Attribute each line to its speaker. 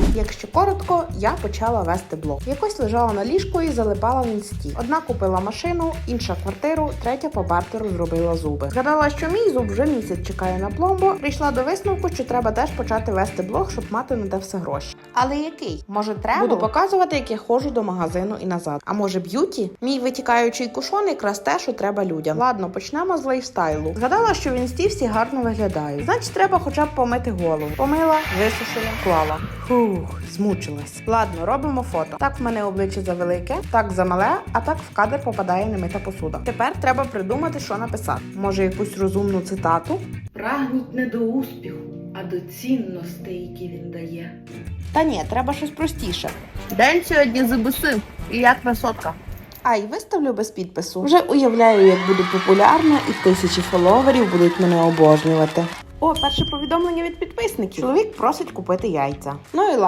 Speaker 1: Якщо коротко, я почала вести блог. Якось лежала на ліжку і залипала в інсті. Одна купила машину, інша квартиру, третя по бартеру зробила зуби. Згадала, що мій зуб вже місяць чекає на пломбу, прийшла до висновку, що треба теж почати вести блог, щоб мати на те все гроші. Але який? Може треба? Буду показувати, як я ходжу до магазину і назад. А може б'юті? Мій витікаючий кушон якраз те, що треба людям. Ладно, почнемо з лайфстайлу. Згадала, що в інсті всі гарно виглядають. Значить, треба хоча б помити голову. Помила, висушила, клала. Фух, змучилась. Ладно, робимо фото. Так в мене обличчя завелике, так замале, а так в кадр попадає немита посуда. Тепер треба придумати, що написати. Може, якусь розумну цитату?
Speaker 2: Прагніть не до успіху, а до цінностей, які він дає.
Speaker 1: Та ні, треба щось простіше.
Speaker 2: День сьогодні ЗБС. І я красотка.
Speaker 1: Ай, виставлю без підпису. Вже уявляю, як буду популярна і 1000 фоловерів будуть мене обожнювати. О, перше повідомлення від підписників. Чоловік просить купити яйця. Ну і ладно.